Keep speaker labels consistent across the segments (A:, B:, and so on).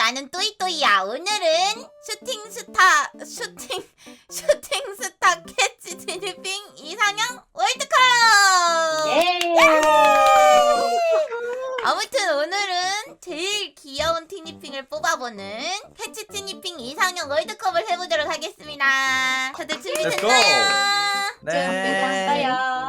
A: 나는 또이또이야. 오늘은 슈팅 스타 캐치 티니핑 이상형 월드컵! 아무튼 오늘은 제일 귀여운 티니핑을 뽑아보는 캐치 티니핑 이상형 월드컵을 해보도록 하겠습니다. 다들 준비됐나요?
B: 네.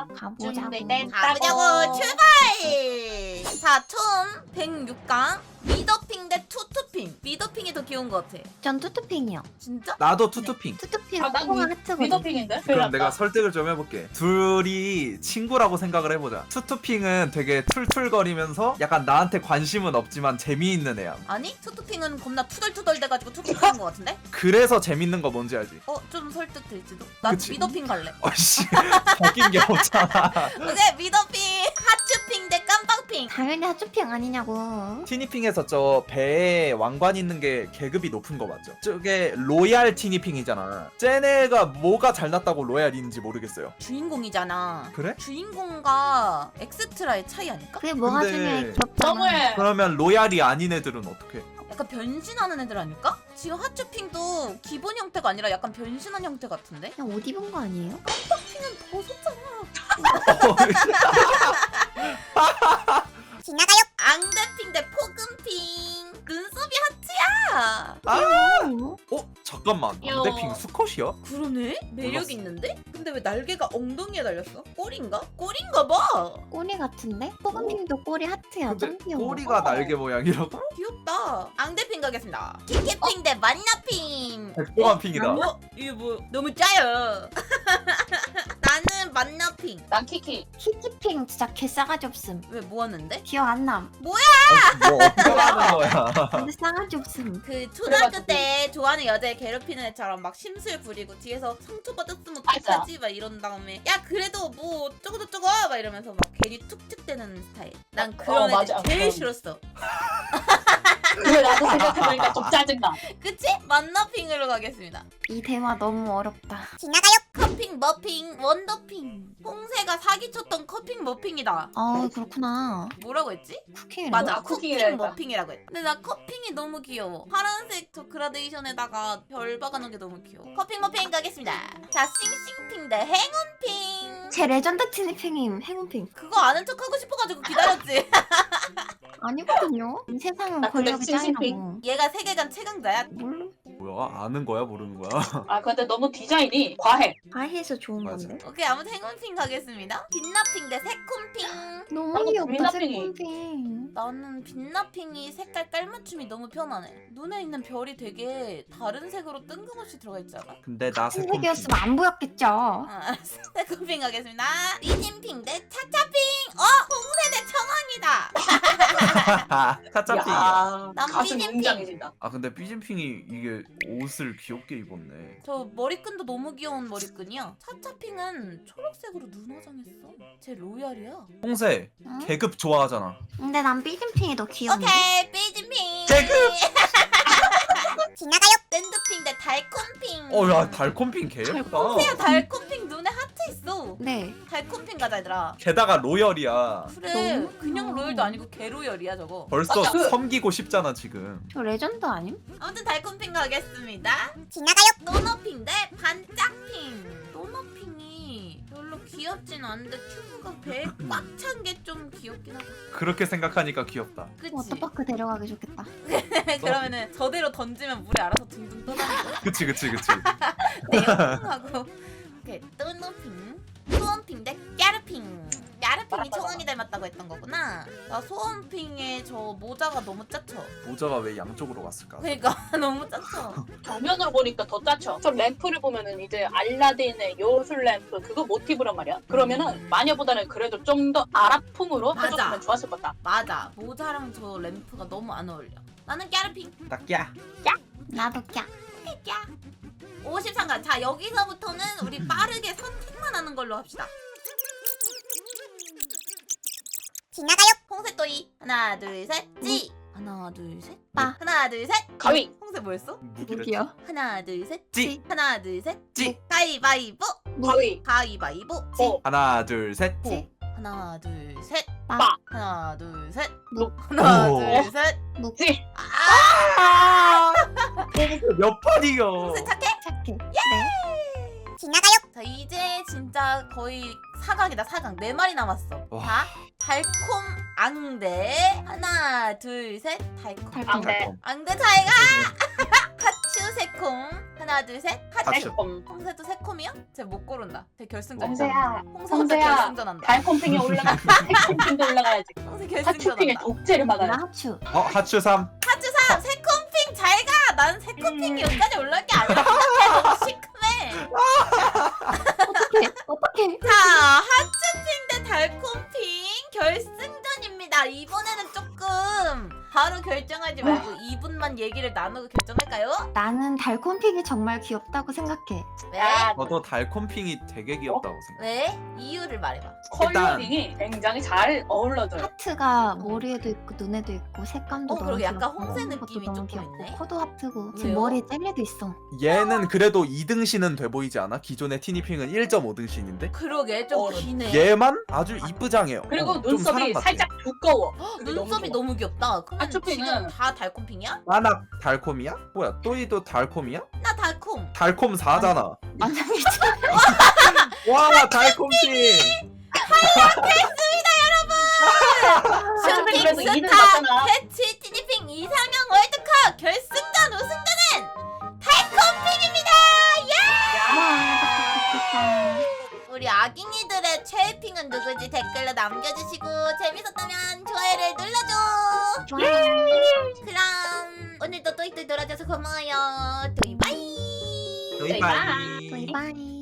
A: 가보자고. 출발! 자, 총 106강 미더핑 대 투투핑. 미더핑이 더 귀여운 것 같아.
C: 전 투투핑이요.
A: 진짜?
B: 나도 투투핑.
C: 투투핑
D: 아, 나도
C: 뽕 하트거든.
D: 미더핑인데?
B: 그럼 내가 설득을 좀 해볼게. 둘이 친구라고 생각을 해보자. 투투핑은 되게 툴툴거리면서 약간 나한테 관심은 없지만 재미있는 애야.
A: 아니? 투투핑은 겁나 투덜투덜 돼가지고 투투핑인 것 같은데?
B: 그래서 재밌는 거 뭔지 알지?
A: 좀 설득될지도. 나
B: 그치.
A: 미더핑 갈래.
B: 어이씨 바뀐 게 없잖아.
A: 오케이, 미더핑. 하츄핑 대 깜빵핑.
C: 당연히 하츄핑 아니냐고.
B: 티니핑에서 저 배에 왕관 있는 게 계급이 높은 거 맞죠? 저게 로얄 티니핑이잖아. 쟤네가 뭐가 잘났다고 로얄인지 모르겠어요.
A: 주인공이잖아.
B: 그래?
A: 주인공과 엑스트라의 차이 아닐까?
C: 그게 뭐가
B: 근데
C: 중요해? 귀엽잖아.
D: 너무해.
B: 그러면 로얄이 아닌 애들은 어떻게?
A: 약간 변신하는 애들 아닐까? 지금 하츄핑도 기본 형태가 아니라 약간 변신한 형태 같은데?
C: 그냥 옷 입은 거 아니에요?
A: 핑은 벗었잖아.
C: 지나가요.
A: 앙대핑 대 포근핑. 눈썹이 하트야.
B: 잠깐만.
D: 귀여워.
B: 안대핑 수컷이야?
A: 그러네? 매력
B: 몰랐어.
A: 있는데? 근데 왜 날개가 엉덩이에 달렸어? 꼬리인가? 꼬리인가 봐.
C: 꼬리 같은데? 뽀금핑도 꼬리 하트야.
B: 근데
C: 좀 귀여워.
B: 꼬리가 날개 모양이라고?
A: 귀엽다. 앙대핑 가겠습니다. 키키핑 대 만나핑.
B: 백보관핑이다.
A: 이게 뭐 너무 짜요. 나는 만나핑.
D: 난 키키.
C: 키키핑 진짜 개 싸가지 없음.
A: 왜 뭐 하는데?
C: 기억 안 남.
B: 뭐 어떻게 하는 거야?
C: 근데 싸가지 없음.
A: 그 초등학교
D: 그래가지고.
A: 때 좋아하는 여자애 괴롭히는 애처럼 막 심술 부리고 뒤에서 상처받았으면
D: 맞아.
A: 어떡하지? 막 이런 다음에 야 그래도 뭐 어쩌고저쩌고 막 이러면서 막 괜히 툭툭대는 스타일. 난 그런 애들
D: 맞아.
A: 제일
D: 그럼.
A: 싫었어.
D: 그래 나도 생각해보니까 좀 짜증나.
A: 그치? 만나핑으로 가겠습니다.
C: 이 대화 너무 어렵다.
A: 커핑, 머핑, 원더핑. 홍세가 사기쳤던 커핑, 머핑이다.
C: 그렇구나.
A: 뭐라고 했지?
C: 쿠킹이라고?
A: 맞아,
D: 아,
A: 커핑,
D: 쿠킹이라 했다.
A: 머핑이라고 했다. 근데 나 커핑이 너무 귀여워. 파란색 저 그라데이션에다가 별 박아놓은 게 너무 귀여워. 커핑, 머핑 가겠습니다. 자, 싱싱핑 대 행운핑.
C: 제 레전드 티니핑임. 행운핑.
A: 그거 아는 척 하고 싶어가지고 기다렸지.
C: 아니거든요. 이 세상은
D: 나 근데
C: 권력이
D: 싱싱핑.
C: 짱이라고.
A: 얘가 세계관 최강자야.
C: 몰라.
B: 뭐야? 아는 거야? 모르는 거야?
D: 아 근데 너무 디자인이 과해.
C: 과해서 좋은
B: 맞아.
C: 건데.
A: 오케이, 아무튼 행운핑 가겠습니다. 빛나핑 대 새콤핑.
C: 너무
D: 나도
C: 귀엽다.
D: 빛나핑이.
C: 새콤핑.
A: 나는 빛나핑이 색깔 깔맞춤이 너무 편하네. 눈에 있는 별이 되게 다른 색으로 뜬금없이 들어가 있잖아.
B: 근데 나 새콤핑.
C: 색이었으면 안 보였겠죠.
A: 알았어. 새콤핑 가겠습니다. 삐진핑 대 차차핑. 홍세 대 청왕이다.
B: 타짜핑이야.
D: 야,
A: 난
D: 가슴
A: 삐진핑.
D: 웅장해진다.
B: 아 근데 삐진핑이 이게 옷을 귀엽게 입었네.
A: 저 머리끈도 너무 귀여운 머리끈이야. 차차핑은 초록색으로 눈 화장했어. 쟤 로얄이야.
B: 홍세
C: 응?
B: 계급 좋아하잖아.
C: 근데 난 삐진핑이 더 귀여운데.
A: 오케이, 삐진핑.
B: 계급!
A: 지나가요. 샌드핑 대 달콤핑.
B: 야 달콤핑 개 예쁘다.
A: 홍세야, 달콤핑 눈에 하트 있어.
C: 네.
A: 달콤핑 가자, 얘들아.
B: 게다가 로열이야.
A: 그래,
C: 너무
A: 그냥
C: 귀여워.
A: 로열도 아니고 개로열이야 저거.
B: 벌써
D: 맞아.
B: 섬기고 싶잖아 지금.
C: 저 레전드 아님?
A: 아무튼 달콤핑 가겠습니다. 지나가요. 도너핑 대 반짝핑. 도너핑이 별로 귀엽진 않은데 튜브가 배에 꽉 찬 게 좀 귀엽긴 하다.
B: 그렇게 생각하니까 귀엽다.
A: 그치?
C: 워터파크 데려가기 좋겠다.
A: 그러면은 저대로 던지면 물에 알아서 둥둥 떠다니고.
B: 그치.
A: 내용하고. 오케이, 도너핑. 소원핑 대 까르핑. 까르핑이 청원이 닮았다고 했던 거구나. 나 소원핑의 저 모자가 너무 짜쳐.
B: 모자가 왜 양쪽으로 갔을까?
A: 그러니까 너무 짜쳐.
D: 정면으로 보니까 더 짜쳐. 저 램프를 보면은 이제 알라딘의 요술 램프 그거 모티브란 말이야. 그러면은 마녀보다는 그래도 좀 더 아랍풍으로
A: 맞아.
D: 해줬으면 좋았을 것 같다.
A: 맞아, 모자랑 저 램프가 너무 안 어울려. 나는 까르핑.
B: 딱야.
C: 나도 깍.
A: 야 53강. 자, 여기서부터는 우리 빠르게 선택만 하는 걸로 합시다. 지나가요. 홍색도이. 하나 둘 셋. 찌. 하나 둘 셋.
C: 빠.
A: 하나 둘 셋.
D: 가위.
A: 홍색 뭐였어?
C: 누구야?
A: 하나 둘 셋.
B: 찌.
A: 하나 둘 셋.
B: 찌.
A: 가위바위보.
D: 가위.
A: 가위바위보.
D: 보.
B: 하나 둘 셋.
C: 찌.
A: 하나 둘 셋.
C: 빠.
A: 하나 둘 셋.
C: 묵.
A: 하나
B: 오.
A: 둘 셋.
D: 찌.
A: 아!
B: 몇 판 이겨?
A: 홍세 착해?
C: 착해. 네.
A: 자 이제 진짜 거의 사각이다 사각. 4마리 남았어.
B: 와.
A: 자 달콤 앙대 하나 둘 셋 달콤
C: 달콤.
D: 앙대.
A: 앙대 잘가. 하츄 새콤 하나 둘 셋 하츄.
B: 하츄.
D: 달콤.
A: 홍세도 새콤이야? 쟤 못 고른다. 쟤 결승전.
D: 홍세야.
A: 홍세 혼자
D: 홍세야.
A: 결승전한다.
D: 달콤핑에 올라가. 달콤핑도 올라가야지.
A: 홍세
D: 하츄핑의
A: 결승전한다.
D: 독재를
C: 나
D: 막아야
C: 하추.
B: 하츄 3.
A: 하츄 3 새콤핑 잘가. 난 새콤핑이 여기까지 올라올 게 아니라 생각해. 너무 시큼해.
C: 어떻게?
A: 자 하츄핑 대 달콤핑 결승전입니다. 이번에는 조금 바로 결정하지 말고 2분만 얘기를 나누고 결정할까요?
C: 나는 달콤픽이 정말 귀엽다고 생각해.
A: 왜?
D: 야,
B: 저도 달콤핑이 되게 귀엽다고 생각.
A: 왜? 이유를 말해봐.
D: 컬러링이 굉장히 잘 어울러져요.
C: 하트가 머리에도 있고 눈에도 있고 색감도 너무
A: 그러게 약간
C: 귀엽고
A: 홍세
C: 그것도
A: 느낌이
C: 너무
A: 조금
C: 귀엽고
A: 있네.
C: 코도 하트고
A: 왜요?
C: 지금 머리에 젤리도 있어.
B: 얘는 그래도 2등신은 돼 보이지 않아? 기존의 티니핑은 1.5등신인데?
A: 그러게 좀
D: 어른.
A: 기네.
B: 얘만 아주 이쁘장해요.
D: 그리고
B: 좀 사람
D: 눈썹이
B: 같아.
D: 살짝 두꺼워.
A: 눈썹이 너무 귀엽다. 그러면
D: 하츄핑은-
A: 지금 다 달콤핑이야?
B: 나나 달콤이야? 뭐야 또이도 달콤이야?
A: 나 달콤.
B: 달콤 4잖아.
C: 완전 미쳐.
B: 와 달콤핑.
A: 슈팅
D: 그래도 2등
A: 스타
D: 맞잖아.
A: 패치 티니핑 이상형 월드컵 결승전 우승자는 달콤핑입니다.
D: 야.
A: 우리 아깅이들의 최애핑은 누구지 댓글로 남겨주시고 재밌었다면 좋아요를 눌러줘.
C: 좋아요.
A: 그럼 오늘도 또이또이 놀아줘서 고마워요. 또이바이.
B: 도이바이.
C: 바이바이.